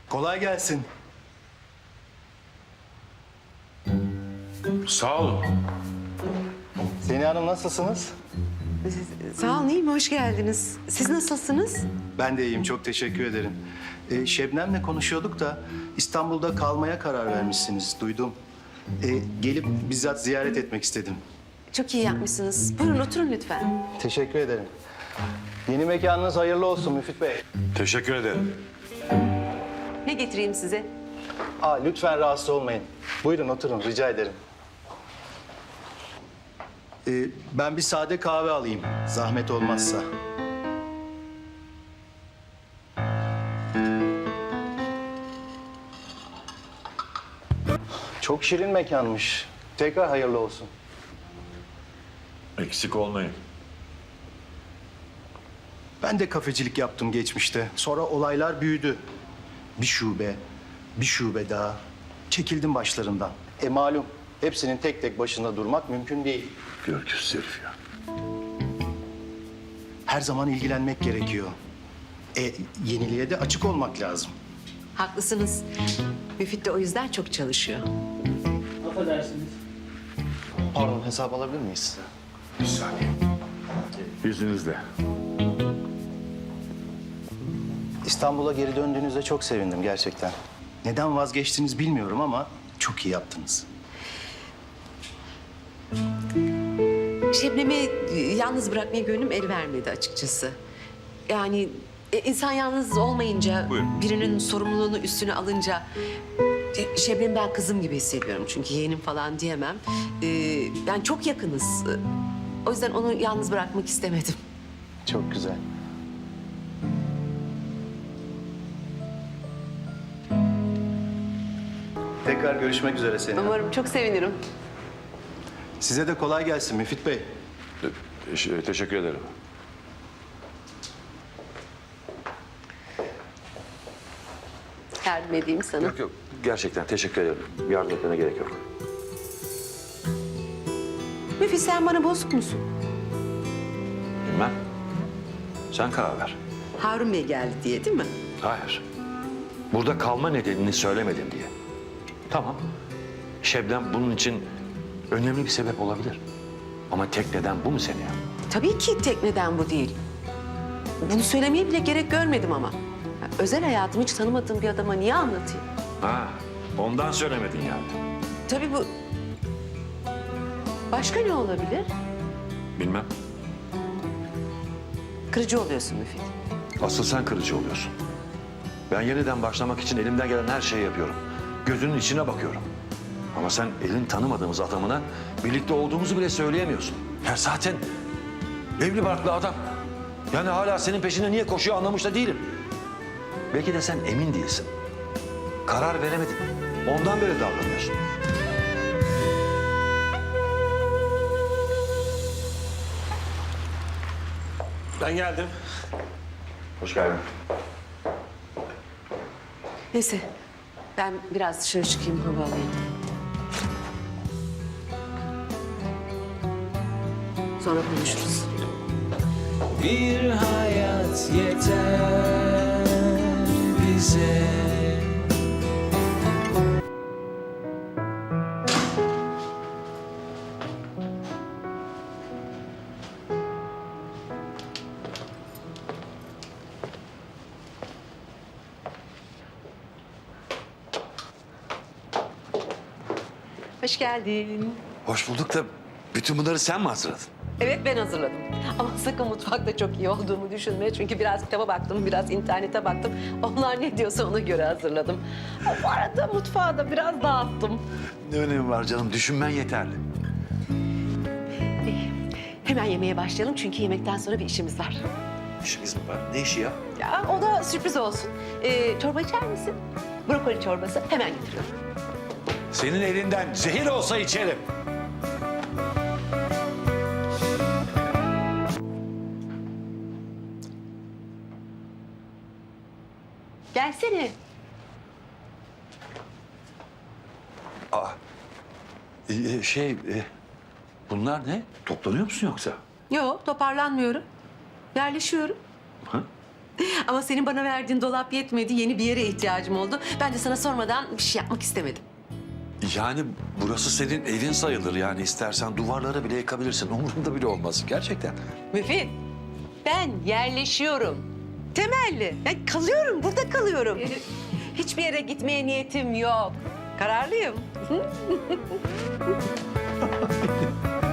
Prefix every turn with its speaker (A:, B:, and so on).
A: Kolay gelsin.
B: Sağ olun.
A: Seniha Hanım nasılsınız?
C: Sağ olun, iyiyim. Hoş geldiniz. Siz nasılsınız?
A: Ben de iyiyim, çok teşekkür ederim. Şebnem'le konuşuyorduk da İstanbul'da kalmaya karar vermişsiniz, duydum. Gelip bizzat ziyaret etmek istedim.
C: Çok iyi yapmışsınız. Buyurun oturun lütfen.
A: Teşekkür ederim. Yeni mekanınız hayırlı olsun Müfit Bey.
B: Teşekkür ederim.
C: Ne getireyim size?
A: Lütfen rahatsız olmayın. Buyurun oturun, rica ederim. Ben bir sade kahve alayım, zahmet olmazsa. Çok şirin mekanmış. Tekrar hayırlı olsun.
B: Eksik olmayın.
A: Ben de kafecilik yaptım geçmişte. Sonra olaylar büyüdü. Bir şube daha. Çekildim başlarından. Malum, hepsinin tek tek başında durmak mümkün değil.
B: Görgüsüz herif ya.
A: Her zaman ilgilenmek gerekiyor. Yeniliğe de açık olmak lazım.
C: Haklısınız. Müfit de o yüzden çok çalışıyor.
D: Affedersiniz.
A: Pardon, hesap alabilir miyiz?
B: Bir saniye. İzninizle.
A: İstanbul'a geri döndüğünüzde çok sevindim gerçekten. Neden vazgeçtiniz bilmiyorum ama çok iyi yaptınız.
C: Şebnem'i yalnız bırakmaya gönlüm el vermedi açıkçası. Yani insan yalnız olmayınca,
B: Buyurun.
C: birinin sorumluluğunu üstüne alınca... Şebnem'i ben kızım gibi hissediyorum çünkü yeğenim falan diyemem. Yani çok yakınız. O yüzden onu yalnız bırakmak istemedim.
A: Çok güzel. Tekrar görüşmek üzere seninle.
C: Umarım çok sevinirim.
A: Size de kolay gelsin Müfit Bey.
B: Teşekkür ederim.
C: Yardım edeyim sana.
E: Yok yok. Gerçekten teşekkür ederim. Yardım etmene gerek yok.
C: Müfit sen bana bozuk musun?
E: Bilmem. Sen karar ver.
C: Harun Bey geldi diye değil mi?
E: Hayır. Burada kalma nedenini söylemedim diye. Tamam. Şebnem bunun için önemli bir sebep olabilir. Ama tek neden bu mu seni ya?
C: Tabii ki tek neden bu değil. Bunu söylemeye bile gerek görmedim ama. Ya, özel hayatımı hiç tanımadığım bir adama niye anlatayım?
E: Ha, ondan söylemedin yani.
C: Tabii bu... Başka ne olabilir?
E: Bilmem.
C: Kırıcı oluyorsun Müfit.
E: Asıl sen kırıcı oluyorsun. Ben yeniden başlamak için elimden gelen her şeyi yapıyorum. Gözünün içine bakıyorum. Ama sen elin tanımadığımız adamına birlikte olduğumuzu bile söyleyemiyorsun. Ya zaten evli barklı adam. Yani hala senin peşine niye koşuyor anlamış da değilim. Belki de sen emin değilsin. Karar veremedin. Ondan böyle davranıyorsun.
B: Ben geldim.
E: Hoş geldin.
C: Neyse ben biraz dışarı çıkayım hava alayım. Sonra konuşuruz.
D: Bir hayat yeter bize.
C: Hoş geldin.
E: Hoş bulduk da bütün bunları sen mi hazırladın?
C: Evet ben hazırladım. Ama sakın mutfakta çok iyi olduğumu düşünme. Çünkü biraz kitaba baktım, biraz internete baktım. Onlar ne diyorsa ona göre hazırladım. Ha, bu arada mutfağı da biraz dağıttım.
E: Ne önemi var canım? Düşünmen yeterli.
C: Hemen yemeğe başlayalım çünkü yemekten sonra bir işimiz var.
E: İşimiz mi var? Ne işi ya?
C: Ya o da sürpriz olsun. Çorba içer misin? Brokoli çorbası hemen getiriyorum.
E: Senin elinden zehir olsa içerim.
C: Gelsene.
E: Bunlar ne? Toplanıyor musun yoksa?
C: Yok toparlanmıyorum. Yerleşiyorum.
E: Ha?
C: Ama senin bana verdiğin dolap yetmedi. Yeni bir yere ihtiyacım oldu. Ben de sana sormadan bir şey yapmak istemedim.
E: Yani burası senin evin sayılır. Yani istersen duvarlara bile yıkabilirsin. Umurumda bile olmaz. Gerçekten.
C: Müfit, ben yerleşiyorum. Temelli. Yani kalıyorum, burada kalıyorum. Hiçbir yere gitmeye niyetim yok. Kararlıyım.